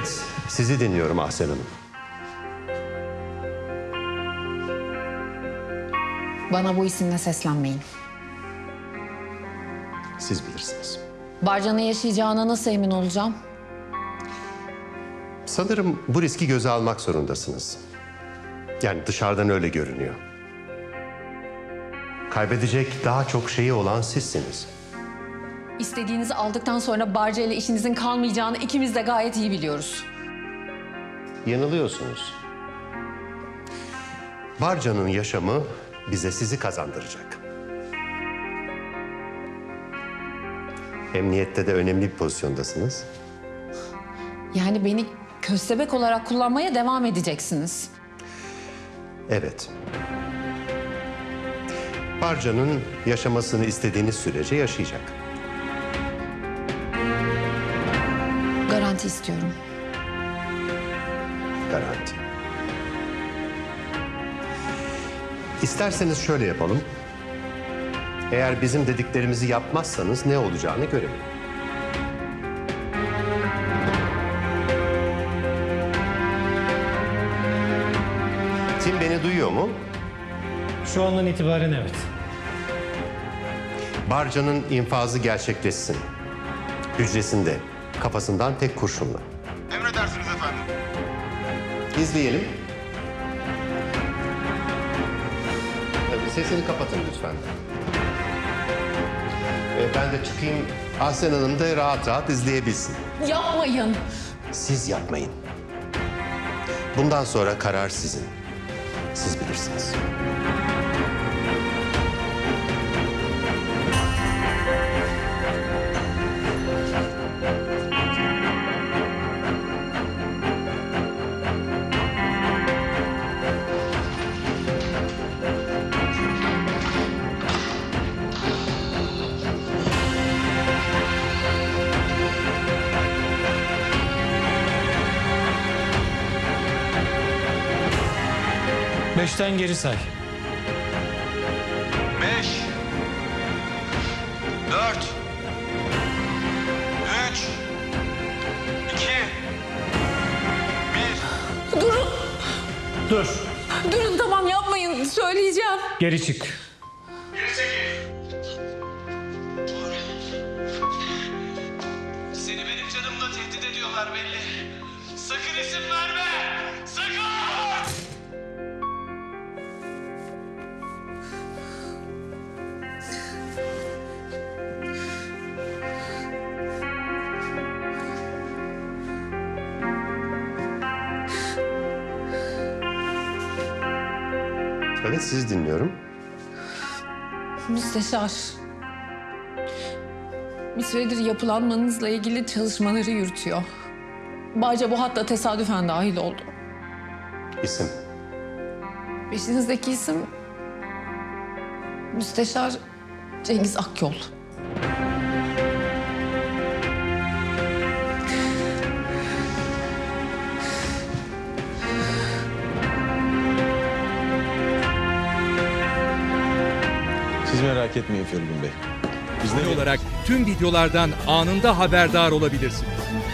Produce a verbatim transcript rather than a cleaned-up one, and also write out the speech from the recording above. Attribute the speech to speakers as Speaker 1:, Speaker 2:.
Speaker 1: Evet, sizi dinliyorum Ahsen Hanım.
Speaker 2: Bana bu isimle seslenmeyin.
Speaker 1: Siz bilirsiniz.
Speaker 2: Barcan'ın yaşayacağına nasıl emin olacağım?
Speaker 1: Sanırım bu riski göze almak zorundasınız. Yani dışarıdan öyle görünüyor. Kaybedecek daha çok şeyi olan sizsiniz.
Speaker 2: İstediğinizi aldıktan sonra Barca ile işinizin kalmayacağını ikimiz de gayet iyi biliyoruz.
Speaker 1: Yanılıyorsunuz. Barca'nın yaşamı bize sizi kazandıracak. Emniyette de önemli bir pozisyondasınız.
Speaker 2: Yani beni köstebek olarak kullanmaya devam edeceksiniz.
Speaker 1: Evet. Barca'nın yaşamasını istediğiniz sürece yaşayacak.
Speaker 2: Garanti istiyorum.
Speaker 1: Garanti. İsterseniz şöyle yapalım. Eğer bizim dediklerimizi yapmazsanız ne olacağını görelim. Tim beni duyuyor mu?
Speaker 3: Şu andan itibaren evet.
Speaker 1: Barca'nın infazı gerçekleşsin. Hücresinde, kafasından tek kurşunla.
Speaker 4: Emredersiniz efendim.
Speaker 1: İzleyelim. Tabii sesini kapatın lütfen. Ee, ben de çıkayım, Ahsen Hanım da rahat rahat izleyebilsin.
Speaker 2: Yapmayın.
Speaker 1: Siz yapmayın. Bundan sonra karar sizin. Siz bilirsiniz.
Speaker 3: Beşten geri say.
Speaker 4: Beş. Dört. Üç. İki. Bir.
Speaker 2: Durun.
Speaker 3: Dur.
Speaker 2: Durun tamam yapmayın. Söyleyeceğim.
Speaker 3: Geri çık.
Speaker 4: Geri çekil. Seni benim canımla tehdit ediyorlar belli. Sakın isim verme. Sakın.
Speaker 1: Evet, sizi dinliyorum.
Speaker 2: Müsteşar. Bir süredir yapılanmanızla ilgili çalışmaları yürütüyor. Barca bu hatta tesadüfen dahil oldu.
Speaker 1: İsim.
Speaker 2: Peşinizdeki isim Müsteşar Cengiz Akyol.
Speaker 5: Siz merak etmeyin Feridun Bey. Biz
Speaker 6: Abone olarak tüm videolardan anında haberdar olabilirsiniz.